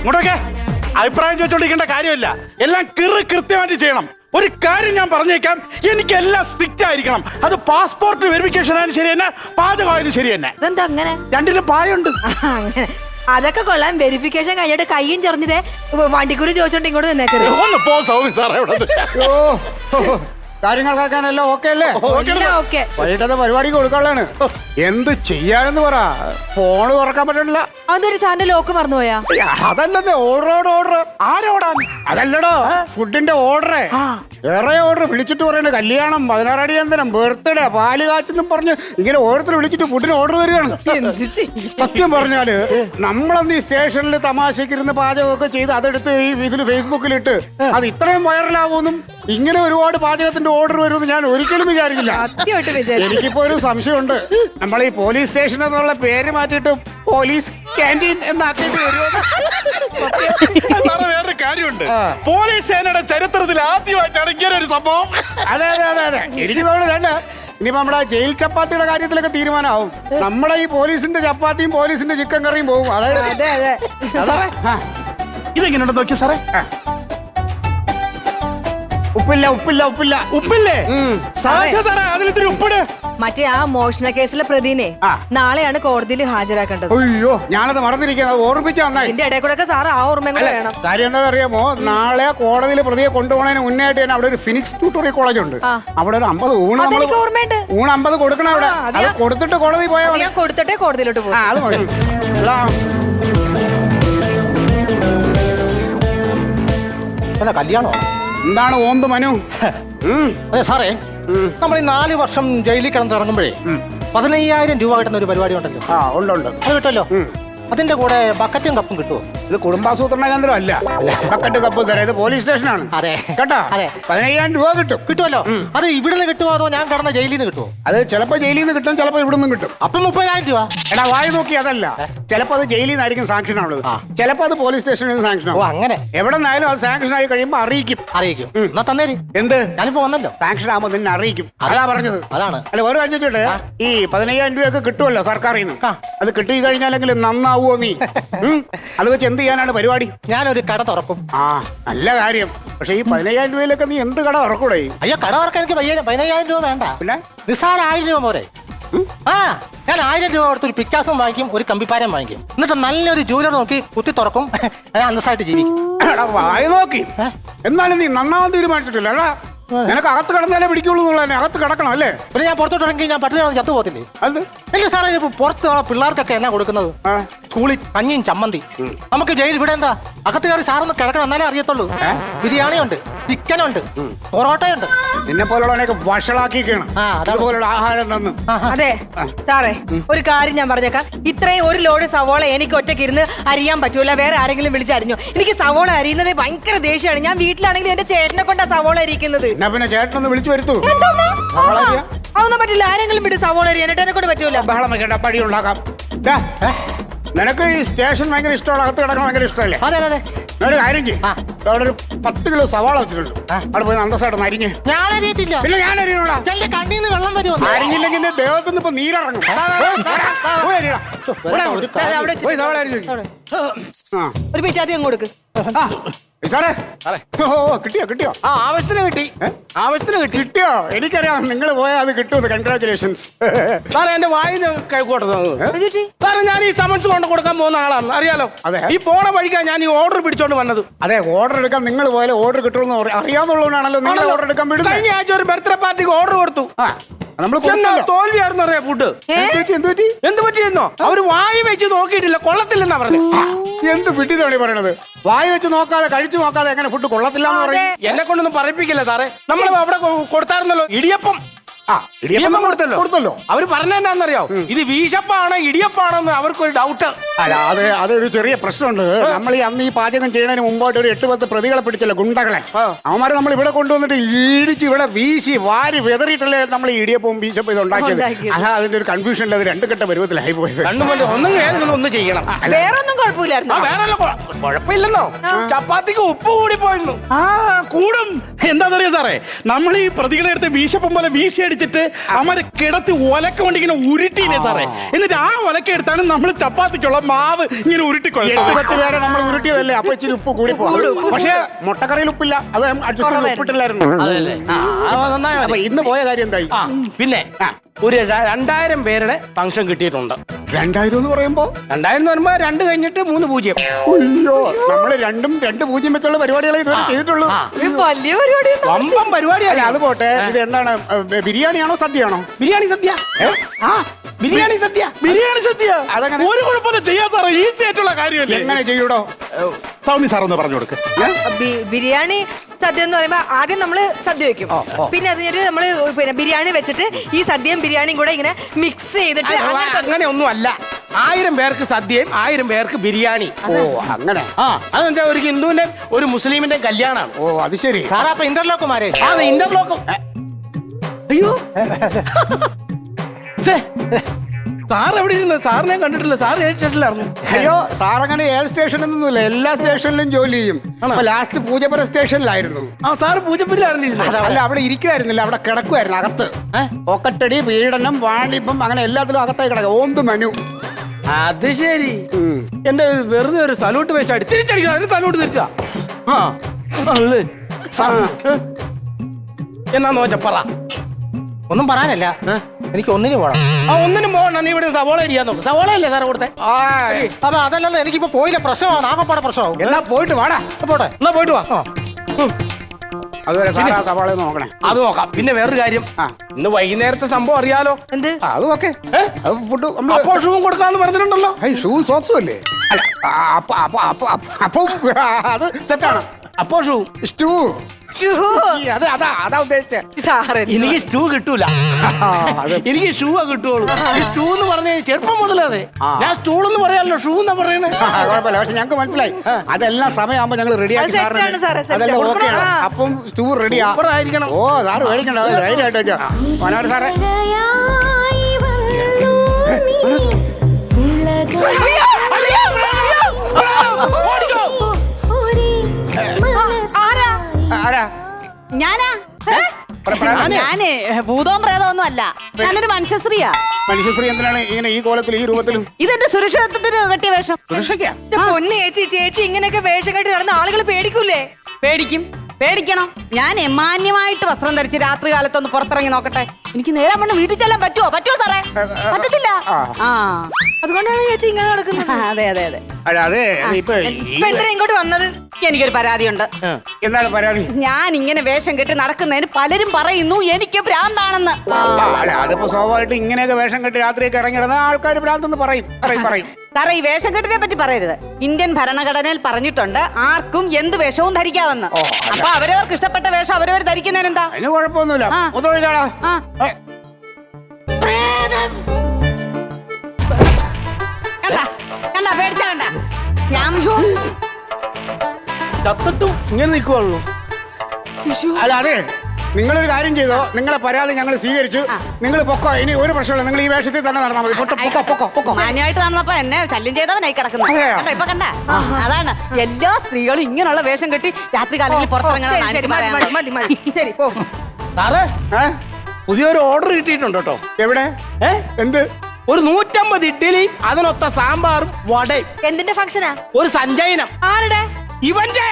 ഇങ്ങോട്ടൊക്കെ അഭിപ്രായം ചോദിച്ചോണ്ടിരിക്കേണ്ട കാര്യമില്ല. എല്ലാം കൃത്യമായിട്ട് ചെയ്യണം. ഒരു കാര്യം ഞാൻ പറഞ്ഞേക്കാം, എനിക്ക് എല്ലാം സ്ട്രിക്റ്റ് ആയിരിക്കണം. അത് പാസ്പോർട്ട് വെരിഫിക്കേഷൻ ആയാലും ശരി തന്നെ, പാചകമായാലും ശരി തന്നെ. ഇതെന്താ അങ്ങനെ? രണ്ടിലും പായുണ്ട്. അങ്ങനെ അതൊക്കെ കൊള്ളാം. വെരിഫിക്കേഷൻ കഴിഞ്ഞിട്ട് കയ്യും ചെറിഞ്ഞതേ വണ്ടിക്കൂലി ചോദിച്ചോണ്ട് ഇങ്ങോട്ട് നിന്നേക്കരുത്. ഒന്ന് പോ സൗമ്യ സാറേ. കാര്യങ്ങൾക്കാക്കാനല്ലോ ഓക്കെ അല്ലേ? ഓക്കെ. വൈകിട്ടത്തെ പരിപാടിക്ക് കൊടുക്കാനുള്ളതാണ്. എന്ത് ചെയ്യാനെന്ന് പറ. ഫോണ് തുറക്കാൻ പറ്റണില്ല. അതൊരു സാറിന്റെ ലോക്ക് മറന്നുപോയാ? അതല്ലത് ഓർഡർ. ആരോടാ? അതല്ലടോ, ഫുഡിന്റെ ഓർഡർ. വേറെ ഓർഡർ വിളിച്ചിട്ട് പറയണ കല്യാണം, 16 അടിയന്തരം, ബർത്ത്ഡേ, പാല് കാച്ചെന്നും പറഞ്ഞ് ഇങ്ങനെ ഓരോരുത്തർ വിളിച്ചിട്ട് ഫുഡിന് ഓർഡർ തരികയാണ്. സത്യം പറഞ്ഞാല് നമ്മളന്ന് ഈ സ്റ്റേഷനിൽ തമാശക്കിരുന്ന് പാചകമൊക്കെ ചെയ്ത് അതെടുത്ത് ഈ ഇതിന് ഫേസ്ബുക്കിലിട്ട് അത് ഇത്രയും വൈറലാവുമെന്നും ഇങ്ങനെ ഒരുപാട് പാചകത്തിന്റെ ഓർഡർ വരുമെന്ന് ഞാൻ ഒരിക്കലും വിചാരിക്കില്ല. എനിക്കിപ്പോ ഒരു സംശയമുണ്ട്. നമ്മൾ ഈ പോലീസ് സ്റ്റേഷൻ എന്നുള്ള പേര് മാറ്റിയിട്ട് പോലീസ് ക്യാൻറ്റീൻ എന്നാക്കിയിട്ട് വരുമോ? വേറൊരു കാര്യമുണ്ട്. പോലീസ് സേനയുടെ ചരിത്രത്തിൽ ആദ്യമായിട്ടാണ് ഇങ്ങനെ ഒരു സംഭവം. അതെ. എനിക്ക് തോന്നുന്നു ഇനിയിപ്പോ നമ്മുടെ ജയിൽ ചപ്പാത്തിയുടെ കാര്യത്തിലൊക്കെ തീരുമാനമാവും. നമ്മുടെ ഈ പോലീസിന്റെ ചപ്പാത്തിയും പോലീസിന്റെ ചിക്കൻ കറിയും പോകും. അതായത് ഇതെങ്ങനെയുണ്ടെന്ന് നോക്കിയ സാറേ. ഉപ്പില്ലേ? സാറേ അതിലിത്തിരി ഉപ്പിട്. മറ്റേ ആ മോഷണ കേസിലെ പ്രതിനെ നാളെയാണ് കോടതിയിൽ ഹാജരാക്കേണ്ടത്. അയ്യോ, ഞാനത് മറന്നിരിക്കുന്നത്. ഓർമ്മിച്ച നന്നായി. ഇതിന്റെ ഇടയിൽ കൂടെ സാറ് ആ ഓർമ്മയും കൂടെ വേണം. കാര്യം എന്താണെന്ന് അറിയാമോ? നാളെ കോടതിയിൽ പ്രതിയെ കൊണ്ടുപോകുന്നതിന് മുന്നായിട്ട് തന്നെ അവിടെ ഒരു ഫിനിക്സ് ട്യൂട്ടോറിയൽ കോളേജ് ഉണ്ട്. അവിടെ ഒരു 50 ഊണ് 50 കൊടുക്കണം. അവിടെ അത് കൊടുത്തിട്ട് കോടതി പോയാൽ ഞാൻ കൊടുത്തിട്ടേ കോടതിയിലോട്ട് പോകും. അത് മതി. കല്യാണോ? എന്താണ് ഓന്ത് മനു? അതെ സാറേ, നമ്മൾ ഈ 4 വർഷം ജയിലിൽ കിടന്നിറങ്ങുമ്പോഴേ 15,000 രൂപ കിട്ടുന്ന ഒരു പരിപാടി ഉണ്ടല്ലോ. ഉണ്ട്. അത് കിട്ടുമല്ലോ. അതിന്റെ കൂടെ ബക്കറ്റും കപ്പും കിട്ടുമോ? ഇത് കുടുംബാസൂത്രണ കേന്ദ്രം അല്ല. ബക്കറ്റ് കപ്പ് തരാം. ഇത് പോലീസ് സ്റ്റേഷനാണ്. അതെ കേട്ടോ. അതെ. 15,000 രൂപ കിട്ടുമല്ലോ. അത് ഇവിടുന്ന് കിട്ടുമോ അതോ ഞാൻ കിടന്ന ജയിലിൽ നിന്ന് കിട്ടുമോ? അത് ചിലപ്പോ ജയിലിൽ നിന്ന് കിട്ടും, ചിലപ്പോ ഇവിടെ നിന്നും കിട്ടും. അപ്പൊ 30,000 രൂപ. എടാ വായി നോക്കി അതല്ല. ചിലപ്പോ അത് ജയിലിൽ നിന്നായിരിക്കും സാങ്ഷൻ ആവുള്ളത്. ചിലപ്പോ അത് പോലീസ് സ്റ്റേഷനിൽ നിന്ന് സാങ്ഷൻ ആവും. അങ്ങനെ എവിടെ നിന്നായാലും അത് സാങ്ഷൻ ആയി കഴിയുമ്പോൾ അറിയിക്കും. എന്നാ തന്നേര്. എന്ത്? ഞാനിപ്പോ വന്നല്ലോ. സാങ്ഷൻ ആകുമ്പോൾ നിന്നെ അറിയിക്കും. അതാ പറഞ്ഞത്. അതാണ്. അല്ല വേറെ കാണിച്ചിട്ട് ഈ 15,000 രൂപയൊക്കെ കിട്ടുമല്ലോ സർക്കാരിൽ നിന്ന്. അത് കിട്ടി കഴിഞ്ഞാലെങ്കിൽ നന്നാവുമോ നീ? അത് വെച്ച് എന്ത് ചെയ്യാനാണ് പരിപാടി? ഞാനൊരു കട തുറക്കും. നല്ല കാര്യം. പക്ഷെ ഈ 15,000 രൂപയിലൊക്കെ നീ എന്ത് കട തുറക്കൂടെ? അയ്യോ, കട തുറക്കാൻ എനിക്ക് 15,000 രൂപ വേണ്ട. പിന്നെ നിസ്സാര 1000 രൂപ പോരെ? ഞാൻ 1000 രൂപ കൊടുത്തൊരു പിക്കാസും വാങ്ങിക്കും, ഒരു കമ്പിപ്പാരം വാങ്ങിക്കും. എന്നിട്ട് നല്ലൊരു ജൂലർ നോക്കി കുത്തി തുറക്കും. ഞാൻ അന്തസ്സായിട്ട് ജീവിക്കും. വായി നോക്കി. എന്നാലും നീ നന്നാവാൻ തീരുമാനിച്ചിട്ടില്ല. അല്ല നിനക്ക് അകത്ത് കിടന്നാലേ പിടിക്കുള്ളൂ എന്നുള്ളതന്നെ. അകത്ത് കിടക്കണം അല്ലേ? പിന്നെ ഞാൻ പുറത്തോട്ട് ഇറങ്ങി ഞാൻ പട്ടിണി ചത്തു പോകത്തില്ലേ? അത് ഇല്ല സാറേ, ഇപ്പൊ പുറത്ത് പിള്ളേർക്കൊക്കെ എന്നാ കൊടുക്കുന്നത്? സ്കൂളിൽ കഞ്ഞിയും ചമ്മന്തി. നമുക്ക് ജയിൽ ഇവിടെ എന്താ അകത്ത് കയറി സാറൊന്ന് കിടക്കണം, എന്നാലേ അറിയത്തുള്ളൂ. ബിരിയാണിയുണ്ട്, ചിക്കനുണ്ട്, പൊറോട്ടയുണ്ട്. നിന്നെ പോലുള്ളവനെയൊക്കെ വഷളാക്കിയാണ് അതുപോലുള്ള ആഹാരം തന്നു. അതെ സാറേ, ഒരു കാര്യം ഞാൻ പറഞ്ഞേക്കാം. ഇത്രയും ഒരു ലോഡ് സവോള എനിക്ക് ഒറ്റയ്ക്ക് ഇരുന്ന് അരിയാൻ പറ്റൂല. വേറെ ആരെങ്കിലും വിളിച്ചരിഞ്ഞോ? എനിക്ക് സവോള അരിയുന്നത് ഭയങ്കര ദേഷ്യമാണ്. ഞാൻ വീട്ടിലാണെങ്കിൽ എന്റെ ചേട്ടനെ കൊണ്ടാ സവോള അരിക്കുന്നത്. എന്നാ പിന്നെ ചേട്ടനൊന്ന് വിളിച്ചു വരുത്തൂ. അതൊന്നും പറ്റില്ല. ആരെങ്കിലും വിട്ട് സവോള അരിയാൻ എന്നെ കൊണ്ട് പറ്റൂല. ബഹളം വെക്കണ്ട, പടി ഉണ്ടാക്കാം. നിനക്ക് ഈ സ്റ്റേഷൻ ഭയങ്കര ഇഷ്ടമാണ്, അകത്ത് കിടക്കണം ഭയങ്കര ഇഷ്ടമല്ലേ? അതെ അതെ. ഒരു കാര്യം ചെയ്യും. അവിടെ ഒരു 10 കിലോ സവാള വെച്ചിട്ടുണ്ട്. അവിടെ പോയി അന്തസ്സായിട്ട് അരിഞ്ഞ്. ഞാൻ അരിയത്തില്ല. പിന്നെ ഞാൻ അരിയണോടാ. എന്റെ കണ്ണീന്ന് വെള്ളം വരുമോ? അരിഞ്ഞില്ലെങ്കിൽ ദേഹത്തുനിന്ന് ഇപ്പൊ നീരിറങ്ങും. ഒരു പിച്ചാത്തി അങ്ങ് കൊടുക്ക്. കിട്ടിയോ? ആവശ്യത്തിന് കിട്ടിയോ? എനിക്കറിയാം നിങ്ങൾ പോയാൽ അത് കിട്ടുമെന്ന്. കൺഗ്രാറ്റുലേഷൻസ് സാറേ. എന്റെ വായിന്ന് സാറേ, ഞാൻ ഈ സമൻസ് കൊണ്ട് കൊടുക്കാൻ പോകുന്ന ആളാണ്, അറിയാലോ. അതെ. ഈ പോണ വഴിക്കാ ഞാൻ ഈ ഓർഡർ പിടിച്ചോണ്ട് വന്നത്. അതെ, ഓർഡർ എടുക്കാൻ നിങ്ങൾ പോയാലും ഓർഡർ കിട്ടുമെന്ന് അറിയാവുന്നതുകൊണ്ടാണല്ലോ നിങ്ങൾ ഓർഡർ എടുക്കാൻ വിടുന്നത്. കഴിഞ്ഞ ആഴ്ച ഒരു ബർത്ത്ഡേ പാർട്ടിക്ക് ഓർഡർ കൊടുത്തു. തോൽവിയായിരുന്നു അറിയാം ഫുഡ്. എന്ത് പറ്റിയെന്നോ? അവര് വായി വെച്ച് നോക്കിയിട്ടില്ല, കൊള്ളത്തില്ലെന്നാ പറഞ്ഞു. എന്ത് വിട്ടിതാണ് പറയണത്? വായി വെച്ച് നോക്കാതെ കഴിച്ചു നോക്കാതെ എങ്ങനെ ഫുഡ് കൊള്ളത്തില്ലാന്ന് പറയും? എന്നെ കൊണ്ടൊന്നും പറയിപ്പിക്കില്ല സാറേ. നമ്മൾ അവിടെ കൊടുത്തായിരുന്നല്ലോ ഇടിയപ്പം. ഇടിയപ്പം കൊടുത്തല്ലോ. അവര് പറഞ്ഞെന്നാന്നറിയോ? ഇത് വീശപ്പാണോ ഇടിയപ്പാണോ എന്ന് അവർക്കൊരു ഡൗട്ട്. അല്ല, അതൊരു ചെറിയ പ്രശ്നമുണ്ട്. നമ്മൾ ഈ അന്ന് ഈ പാചകം ചെയ്യുന്നതിന് മുമ്പായിട്ട് ഒരു 8-10 പ്രതികളെ പിടിച്ചല്ലോ, ഗുണ്ടകളെ. അവന്മാരെ നമ്മൾ ഇവിടെ കൊണ്ടുവന്നിട്ട് ഇടിച്ച് ഇവിടെ വീശി വാരി വെതറിയിട്ടല്ലേ നമ്മൾ ഈ ഇടിയപ്പവും വീശപ്പം ഇത് ഉണ്ടാക്കിയത്. അതാ അതിന്റെ ഒരു കൺഫ്യൂഷനിൽ അത് 2 ഘട്ട പരുവത്തിലായി പോയത്. ഒന്നും ചെയ്യണം. വേറെ ഒന്നും കുഴപ്പമില്ലായിരുന്നു. കുഴപ്പമില്ലെന്നോ? ചപ്പാത്തിക്ക് ഉപ്പ് കൂടി പോയിരുന്നു. കൂടും. എന്താണെന്നറിയോ സാറേ, നമ്മൾ ഈ പ്രതികളെ എടുത്ത് വീശപ്പം പോലെ വീശി അടിച്ചിട്ട് അവരെ കിടത്തി ഒലക്ക കൊണ്ട് ഇങ്ങനെ ഉരുട്ടിയില്ലേ സാറേ, എന്നിട്ട് ആ ഒലക്ക എടുത്താണ് നമ്മൾ ചപ്പാത്തിക്കുള്ള മാവ് ഇങ്ങനെ ഉരുട്ടിക്കൊള്ളുന്നത്. 8-10 പേരെ നമ്മൾ ഉരുട്ടിയതല്ലേ, അപ്പൊ ഇച്ചിരി ഉപ്പ് കൂടി പോകും. പക്ഷേ മുട്ടക്കറിയിൽ ഉപ്പില്ല, അത് അഡ്ജസ്റ്റ് ചെയ്ത് ഉപ്പിട്ടില്ലായിരുന്നു. അപ്പൊ ഇന്ന് പോയ കാര്യം എന്തായി? പിന്നെ ഒരു 2000 പേരുടെ ഫംഗ്ഷൻ കിട്ടിയിട്ടുണ്ട്. 2000 എന്ന് പറയുമ്പോ 2000 എന്ന് പറയുമ്പോ 2 കഴിഞ്ഞിട്ട് 3 പൂജ്യം. അയ്യോ, നമ്മള് 2-0 വെച്ചുള്ള പരിപാടികളെ ഇതുവരെ ചെയ്തിട്ടുള്ളൂ. വലിയ പരിപാടി വമ്പം അല്ല, പരിപാടിയല്ല. അത് പോട്ടെ. ഇത് എന്താണ്, ബിരിയാണിയാണോ സദ്യയാണോ? ബിരിയാണി സദ്യ. ബിരിയാണി സദ്യ. ബിരിയാണി സദ്യ അതെങ്ങനെ? ഒരു കുഴപ്പമില്ല, ചെയ്യാൻ സാറേ, ഈസി ആയിട്ടുള്ള കാര്യമല്ലേ. എങ്ങനെ ചെയ്യൂടോ? സൗമ്യ സാർ ഒന്ന് പറഞ്ഞു കൊടുക്ക്. ബിരിയാണി സദ്യ എന്ന് പറയുമ്പോ ആദ്യം നമ്മള് സദ്യ വെക്കും, പിന്നെ അത് കഴിഞ്ഞിട്ട് നമ്മള് പിന്നെ ബിരിയാണി വെച്ചിട്ട് ഈ സദ്യയും ബിരിയാണിയും കൂടെ ഇങ്ങനെ മിക്സ് ചെയ്തിട്ട് അങ്ങനെ ഒന്നും അല്ല. 1000 പേർക്ക് സദ്യയും 1000 പേർക്ക് ബിരിയാണി. ഓ, അങ്ങനെ. അതെന്താ, ഒരു ഹിന്ദുവിന്റെ ഒരു മുസ്ലിമിന്റെ കല്യാണമാണ്. ഓ, അത് ശരി. സാറാ അപ്പൊ ഇന്റർലോക്ക് മാരേ. അത് ഇന്റർലോക്കും. അയ്യോ സാർ എവിടെ ഇരുന്ന്? സാറിനെ കണ്ടിട്ടില്ല. സാർ ഏറ്റിട്ടില്ലായിരുന്നു. അയ്യോ, സാറങ്ങനെ ഏത് സ്റ്റേഷനൊന്നുമില്ല, എല്ലാ സ്റ്റേഷനിലും ജോലി ചെയ്യും. അപ്പൊ ലാസ്റ്റ് പൂജപ്പുര സ്റ്റേഷനിലായിരുന്നു. സാറ് പൂജപ്പുരിലായിരുന്നു. അല്ല, അവിടെ ഇരിക്കുമായിരുന്നില്ല, അവിടെ കിടക്കുമായിരുന്നു അകത്ത്. പോക്കറ്റടി, പീഡനം, വാണിപ്പം, അങ്ങനെ എല്ലാത്തിലും അകത്തായി കിടക്കുക. ഓന്ത് മനു. അത് ശരി. എന്റെ വെറുതെ ഒരു സല്യൂട്ട് വേഷാടി തിരിച്ചടിക്കണം. ഒരു സല്യൂട്ട് തിരിച്ചാ എന്നാന്ന് വെച്ചാ പറ. ഒന്നും പറയാനല്ല, എനിക്ക് ഒന്നിന് പോകണം. ഒന്നിനും പോകണ്ട. നീ ഇവിടെ സവോള അരിയാൻ നോക്കും. സവോള അല്ലേ സാറേ കൊടുത്തേ? അപ്പൊ അതല്ലല്ലോ, എനിക്കിപ്പോ പോയില്ല, പ്രശ്നമാവും, ആകപ്പാടെ പ്രശ്നമാവും. എന്നാ പോയിട്ട് വാടാ. പോട്ടെ. എന്നാ പോയിട്ട് വാ. അതുവരെ സാറാ സവാള നോക്കണേ. അത് നോക്കാം. പിന്നെ വേറൊരു കാര്യം, ഇന്ന് വൈകുന്നേരത്തെ സംഭവം അറിയാലോ? എന്ത്? അത് ഓക്കെ. അത് ഫുഡ് അപ്പോൾ ഷൂവും കൊടുക്കാന്ന് പറഞ്ഞിട്ടുണ്ടല്ലോ. ഷൂ സോക്സും അല്ലേ? അല്ല, അപ്പം അത് സെറ്റാണ്. അപ്പോ ഷൂ സ്റ്റൂ. അതാ ഉദ്ദേശിച്ചേ. സാറേ എനിക്ക് സ്റ്റൂ കിട്ടൂല. എനിക്ക് ഷൂ കിട്ടുള്ളൂ. സ്റ്റൂ എന്ന് പറഞ്ഞ ചെറുപ്പം മുതലേ ഞാൻ സ്റ്റൂൾ എന്ന് പറയാമല്ലോ, ഷൂ എന്നാ പറയണേ. കുഴപ്പമില്ല, പക്ഷെ ഞങ്ങൾക്ക് മനസ്സിലായി. അതെല്ലാം സമയമാകുമ്പോ ഞങ്ങൾ റെഡിയാക്കി അത് set ആണ് സാറേ, set. അതെല്ലാം ഓക്കെയാണ്. ആ. അപ്പം സ്റ്റൂ റെഡിയാ. ആയിരിക്കണം. ഓ, സാറ് മേടിക്കണ്ട, അത് ധൈര്യമായിട്ട് വെച്ചോ. മനോഹർ സാറേ, ആരാ? ഞാനാ ഞാന് ഭൂതവും പ്രേതമൊന്നും അല്ല, ഞാനൊരു മനുഷ്യശ്രീയാ. മനുഷ്യശ്രീ എന്തിനാണ് ഇങ്ങനെ ഈ കോലത്തിൽ ഈ രൂപത്തിലും? ഇതെന്റെ സുരക്ഷിതത്വത്തിന് കെട്ടിയ വേഷം. സുരക്ഷയ്ക്കാ? പൊന്നു ചേച്ചി ഇങ്ങനെയൊക്കെ വേഷം കെട്ടി നടന്ന ആളുകൾ പേടിക്കൂലേ? പേടിക്കണം. ഞാൻ മാന്യമായിട്ട് വസ്ത്രം ധരിച്ച് രാത്രി കാലത്തൊന്ന് പുറത്തിറങ്ങി നോക്കട്ടെ. എനിക്ക് നേരെ മണ്ണ് വീട്ടിൽ ചെല്ലാൻ പറ്റുമോ സാറേ? പറ്റത്തില്ല. അതുകൊണ്ടാണ് ചേച്ചി ഇങ്ങനെ നടക്കുന്നത്. അതെ അല്ല, അതെ. ഇപ്പൊ എന്തിനാ ഇങ്ങോട്ട് വന്നത്? എനിക്കൊരു പരാതിയുണ്ട്. എന്താണ് പരാതി? ഞാൻ ഇങ്ങനെ വേഷം കെട്ടി നടക്കുന്നതിന് പലരും പറയുന്നു എനിക്ക് ഭ്രാന്താണെന്ന്. അല്ല, അതിപ്പോ സ്വാഭാവികമായിട്ട് ഇങ്ങനെയൊക്കെ വേഷം കെട്ടി രാത്രിയൊക്കെ ഇറങ്ങിയിടുന്ന ആൾക്കാർ ഭ്രാന്തെന്ന് പറയും. സാറേ, ഈ വേഷം കെട്ടിനെ പറ്റി പറയരുത്. ഇന്ത്യൻ ഭരണഘടനയിൽ പറഞ്ഞിട്ടുണ്ട് ആർക്കും എന്ത് വേഷവും ധരിക്കാമെന്ന്. അപ്പൊ അവരവർക്ക് ഇഷ്ടപ്പെട്ട വേഷം അവരവർ ധരിക്കുന്നതിന് എന്താ? അതിന് കുഴപ്പമൊന്നുമില്ല. മുതലൊഴിച്ചാടാ. കണ്ടാ പേടിച്ച കണ്ട ഞാൻ ചത്തിട്ടും ഇങ്ങനെ നിൽക്കുവാണല്ലോ. അല്ല, അതെ, നിങ്ങളൊരു കാര്യം ചെയ്തോ. നിങ്ങളെ പരാതി ഞങ്ങൾ സ്വീകരിച്ചു. നിങ്ങൾ പൊക്കോ, ഇനി ഒരു പ്രശ്നമില്ല. നിങ്ങൾ ഈ വേഷത്തിൽ തന്നെ നടന്നാൽ മതി. പൊക്കോ. മാന്യമായിട്ട് നടന്നപ്പോ എന്നെ ശല്യം ചെയ്തവനായി കിടക്കുന്നത്. അതെയോ? കണ്ടോ, ഇപ്പൊ കണ്ട? അതാണ് എല്ലാ സ്ത്രീകളും ഇങ്ങനെയുള്ള വേഷം കെട്ടി രാത്രി കാലങ്ങളിൽ പുറത്തിറങ്ങണം. ശരി, മതി. ശരി, പോ. സാറേ, പുതിയൊരു ഓർഡർ കിട്ടിയിട്ടുണ്ട് കേട്ടോ. എവിടെ? എന്ത്? ഒരു 150 ഇഡ്ഡലിയും അതിനൊത്ത സാമ്പാറും വടയും. എന്തിന്റെ ഫംഗ്ഷനാ? ഒരു സഞ്ചയനം. ആരുടെ? ഇവന്റെ